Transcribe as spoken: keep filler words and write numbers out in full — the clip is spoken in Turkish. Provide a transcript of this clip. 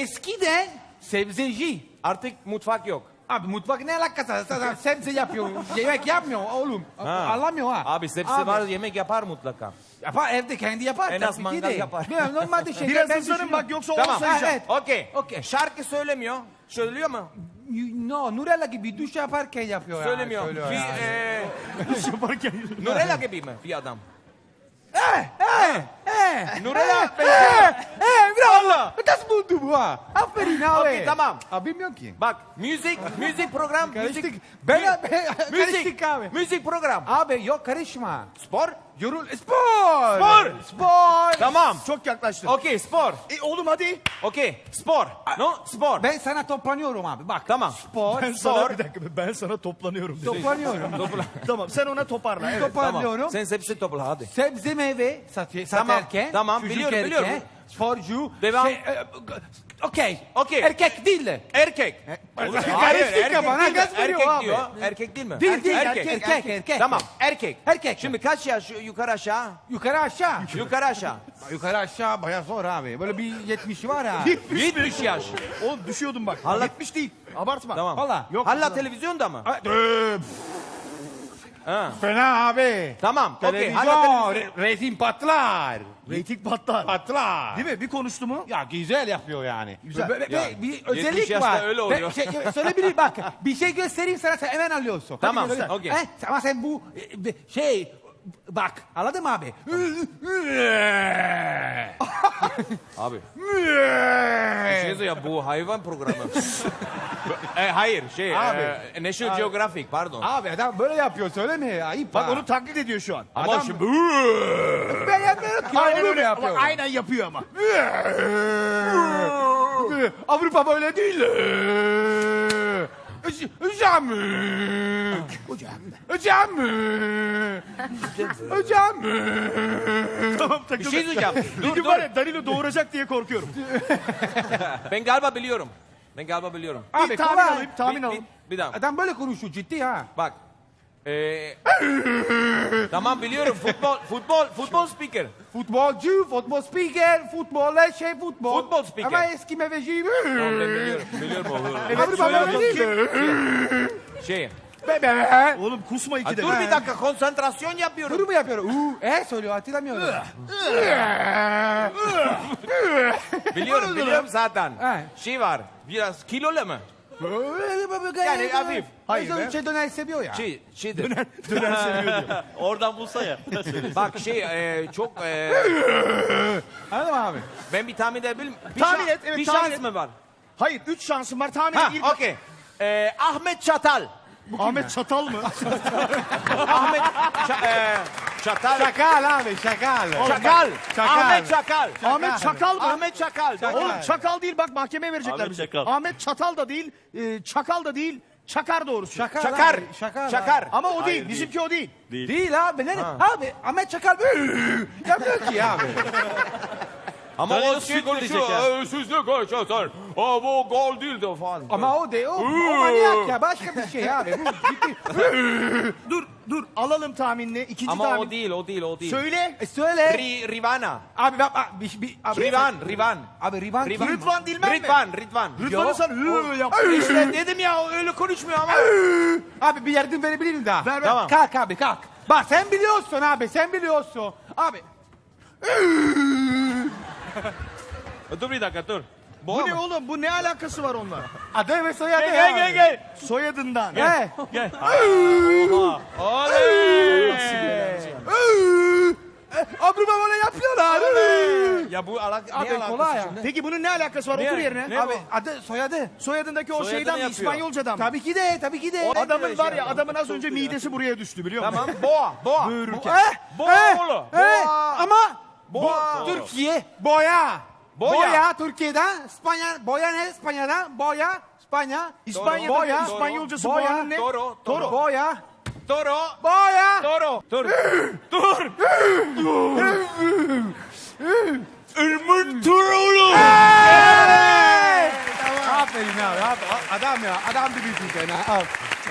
eskiden sebzeci. Artık mutfak yok. Abi mutfak ne alakası? Zaten sebze yapıyor. Yemek yapmıyor oğlum. Ha. Anlamıyor ha. Abi sebze var, yemek yapar mutlaka. Yapar evde kendi yapar. En az tabii ki mangal de. yapar. Ya, normalde şey. Biraz ben hızlanın bak yoksa Tamam. on sayacağım. Evet. Okey. Okey. Şarkı söylemiyor. Söylüyor mu? No, Nurella gibi duş yaparken yapıyor. Söylemiyor. Yani, söylüyor Bir, yani. e, Duş yaparken. Nurella gibi mi bir adam? Eh, eh, eh. Nurella Eh, benziyor. eh, bravo. Nasıl buldu bu ha? Aferin abi. Okey, tamam. Abi bilmiyorum ki. Bak müzik, müzik program, Karıştık. müzik, Ben, mü- ben müzik, karıştık abi. müzik program. Abi yok karışma. Spor? Yorul. Spor. Spor. Spor. Tamam. Çok yaklaştın. Okey, spor. E, oğlum hadi. Okey, spor. No, spor. Ben sana toplanıyorum abi bak. Tamam. Spor. Ben Spor. sana bir dakika ben sana toplanıyorum dedi. Toplanıyorum. Tamam sen ona toparla. Evet. Toparlıyorum. Tamam. Sen hepsi topla hadi. Sebze meyve satıyor, Tamam, satarken. tamam, çocuk biliyorum, erken, biliyorum. Sporcu. Devam. Şey, e, Okey. Okey. Erkek değil de. Erkek. Karıştık erkek ya bana değil mi? gaz veriyor Erkek abi. diyor. Erkek değil mi? Değil değil Erkek. erkek erkek erkek. Tamam, erkek. Erkek. Şimdi kaç yaş yukarı aşağı? Yukarı aşağı. Yukarı aşağı. Yukarı aşağı bayağı zor abi. Böyle bir yetmişi var ha. yetmiş yaş. Oğlum düşüyordum bak. Allah- yetmiş değil. Abartma. Tamam. Valla. Yok. Hala televizyonda mı? Ha, öf, Ha. Fena abi. Tamam. Okey. Televizyon, Hala televizyon. re- resim patlar. Reyting patlar. Patlar. Değil mi? Bir konuştu mu? Ya güzel yapıyor yani. Güzel. Ve- ve- Ya, ve bir yetmiş özellik yaşta var. öyle Ben oluyor. Şey, söyleyebilir bak. Bir şey göstereyim sana sen hemen alıyorsun. Tamam, Hadi, okey. He, ama sen bu e, şey bak anladın mı abi? Abi. Şey ya bu hayvan programı. e, hayır şey Abi. e, National Geographic pardon. Abi adam böyle yapıyor söyleme ayıp Bak ha. onu taklit ediyor şu an. Ama adam- şimdi ben yapmıyorum ki. Aynen oğlum öyle. yapıyor. Bak, aynen yapıyor ama. Avrupa böyle değil. Hocam. Hocam. Hocam. Hocam. Tamam bir takıldı. şey diyeceğim. Bir dur gün dur. var ya Danilo doğuracak diye korkuyorum. Ben galiba biliyorum. Ben galiba biliyorum. Abi bir tahmin kolay. alayım, tahmin bir, alayım. bir, bir dakika. Adam böyle konuşuyor ciddi ha. Bak. Ee, tamam biliyorum. Futbol futbol futbol speaker. Futbolcu, futbol spiker, futboller şey futbol. Futbol spiker. Ama eski meveci. Tamam ben biliyorum. Biliyorum o. Evet, Avrupa böyle değil. Şey. Bebe. Oğlum kusma Ha, iki de. dur bir dakika konsantrasyon yapıyorum. Bunu mu yapıyor? Uuu, e söylüyor hatırlamıyorum. Biliyorum biliyorum zaten. Ha. Şey var. Biraz kilolu mu? yani hafif. Hayır Hayır be. Şey döner seviyor ya. Şey şeydir. Döner seviyor diyor. Oradan bulsa ya. Bak şey e, çok e, Anladın mı abi? ben bir tahmin edebilir miyim? Bir Tahmin şan- et, evet, Bir tahmin şans et. mı var? Hayır üç şansım var tahmin Ha et. İlk- okey. E, Ahmet Çatal. Ahmet Çatal mı? Ahmet Ça- e, Çatal. Şakal abi şakal. Çakal. Çakal. Ahmet Çakal. Ahmet Çakal mı? Ahmet Çakal. Çakal. Oğlum Çakal değil bak mahkemeye verecekler Ahmet bizi. Çakal. Ahmet Çatal da değil, e, Çakal da değil, Çakar doğrusu. Şakal. Çakar. abi, Şakal. Çakar. abi. Ama o değil, bizimki o değil. Değil abi. Ne? Abi Ahmet Çakal yapmıyor ki abi. Ama Danilo o süt şey verecek konuşuyor. "Ee, Siz ne konuşuyorsunuz? Aa, bu gol değil de falan. Ama o değil. O, o manyak ya. Başka bir şey abi. Bu ciddi. Dur, dur alalım tahminini. İkinci Ama tahmin. o değil, o değil, o değil. Söyle. E söyle. Ri, Rivana. Abi bak bak. Bir, bir, abi, Rivan, Rivan. Abi Rivan kim? Rivan. Rıdvan Dilmen mi? Ridvan, Ridvan. Rıdvan'ı sen hı yap. İşte dedim ya o öyle konuşmuyor ama. Abi bir yardım verebilir miyim daha? Ver, ver. Tamam. Kalk abi kalk. Bak sen biliyorsun abi sen biliyorsun. Abi. Dur bir dakika dur. Bu ne oğlum? Bu ne alakası var onunla? Adı ve soyadı Gel ya. gel gel gel. Soyadından. Gel. Gel. Oha. Oley. Avrupa böyle yapıyorlar. Ya bu alak Abi, ne alakası kolay ya. şimdi? Peki bunun ne alakası var? Ne- Otur yerine. ne Abi bu? adı soyadı. Soyadındaki o Soyadını şeyden mi? yapıyor. İspanyolcadan mı? Tabii ki de tabii ki de. Adamın var ya adamın az önce midesi buraya düştü biliyor musun? Tamam. Boğa, boğa. Buyururken. Eh, Boğa eh, oğlu. eh, Boğa. Ama Boğa. Bo- Türkiye boya. Boya. Boya Türkiye'den, İspanya, boya ne İspanya'dan? Boya, İspanya. İspanya'da Boya. İspanyolcası Boya. boğanın ne? Toro, Toro. Boya. Toro. Boya. Toro. Dur. Dur. Irmın Turoğlu. Hey! Aferin abi. Adam ya. Adam gibisin sen ha.